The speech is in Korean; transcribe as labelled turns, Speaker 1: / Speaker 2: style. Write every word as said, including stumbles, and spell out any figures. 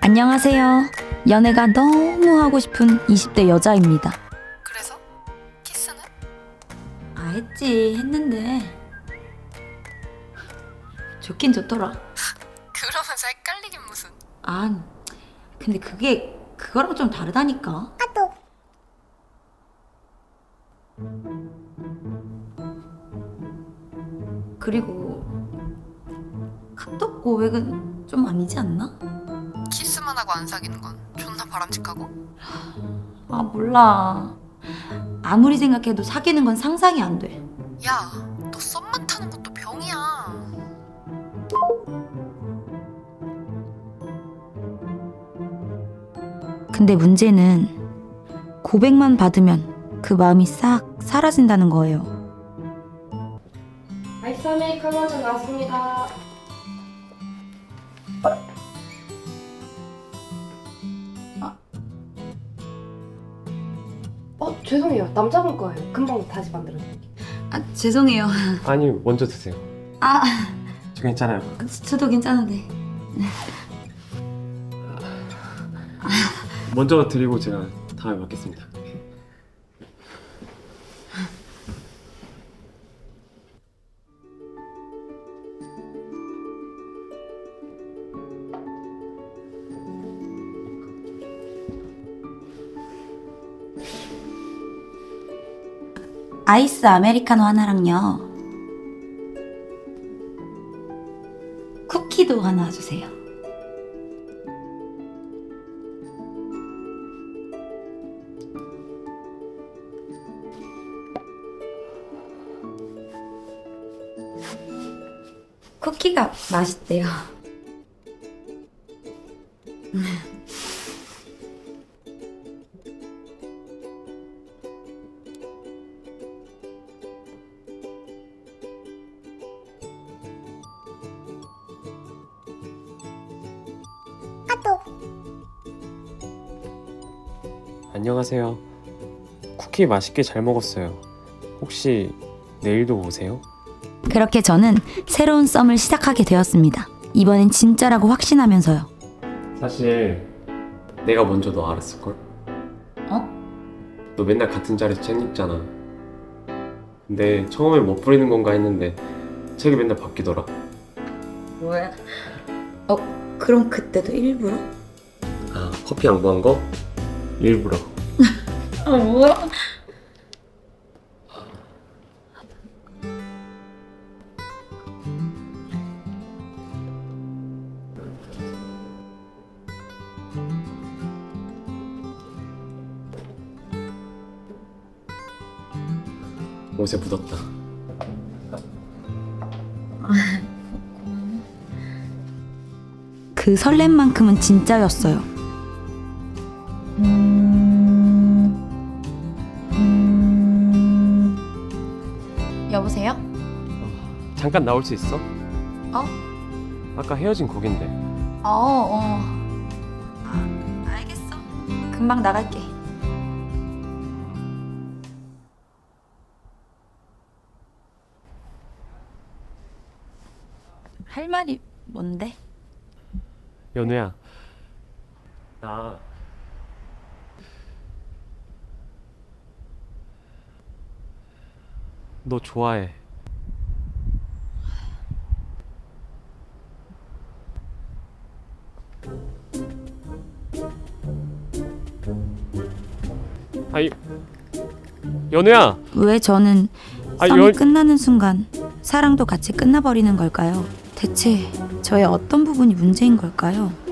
Speaker 1: 안녕하세요. 연애가 너무 하고 싶은 이십 대 여자입니다.
Speaker 2: 그래서? 키스는?
Speaker 1: 아, 했지. 했는데 좋긴 좋더라.
Speaker 2: 그러면서 헷갈리긴 무슨.
Speaker 1: 아, 근데 그게 그거랑 좀 다르다니까. 그리고 카톡 고백은 좀 아니지 않나?
Speaker 2: 키스만 하고 안 사귀는 건 존나 바람직하고?
Speaker 1: 아, 몰라. 아무리 생각해도 사귀는 건 상상이 안 돼.
Speaker 2: 야, 너 썸만 타는 것도 병이야.
Speaker 1: 근데 문제는 고백만 받으면 그 마음이 싹 사라진다는 거예요.
Speaker 3: 아이스 아메리카노 한잔 나왔습니다. 어, 죄송해요. 남자분 거예요. 금방 다시 만들어드릴게요.
Speaker 1: 아, 죄송해요.
Speaker 4: 아니 먼저 드세요.
Speaker 1: 아,
Speaker 4: 저 괜찮아요.
Speaker 1: 저도 괜찮은데.
Speaker 4: 먼저 드리고 제가 다음에 받겠습니다.
Speaker 1: 아이스 아메리카노 하나랑요. 쿠키도 하나 주세요. 쿠키가 맛있대요.
Speaker 4: 안녕하세요. 쿠키 맛있게 잘 먹었어요. 혹시 내일도 오세요?
Speaker 1: 그렇게 저는 새로운 썸을 시작하게 되었습니다. 이번엔 진짜라고 확신하면서요.
Speaker 4: 사실 내가 먼저 너 알았을걸?
Speaker 1: 어?
Speaker 4: 너 맨날 같은 자리에서 책 읽잖아. 근데 처음에 뭐 뿌리는 건가 했는데 책이 맨날 바뀌더라.
Speaker 1: 뭐야? 어, 그럼 그때도 일부러?
Speaker 4: 아, 커피 양보한 거? 일부러.
Speaker 1: 아, 뭐야?
Speaker 4: 옷에 묻었다.
Speaker 1: 그 설렘만큼은 진짜였어요. 여보세요?
Speaker 4: 잠깐 나올 수 있어?
Speaker 1: 어?
Speaker 4: 아까 헤어진 곡인데.
Speaker 1: 어, 어. 아, 알겠어. 금방 나갈게. 할 말이 뭔데?
Speaker 4: 연우야, 나 너 좋아해. 아이, 연우야.
Speaker 1: 왜 저는
Speaker 4: 아,
Speaker 1: 썸이
Speaker 4: 연-
Speaker 1: 끝나는 순간 사랑도 같이 끝나버리는 걸까요? 대체 저의 어떤 부분이 문제인 걸까요?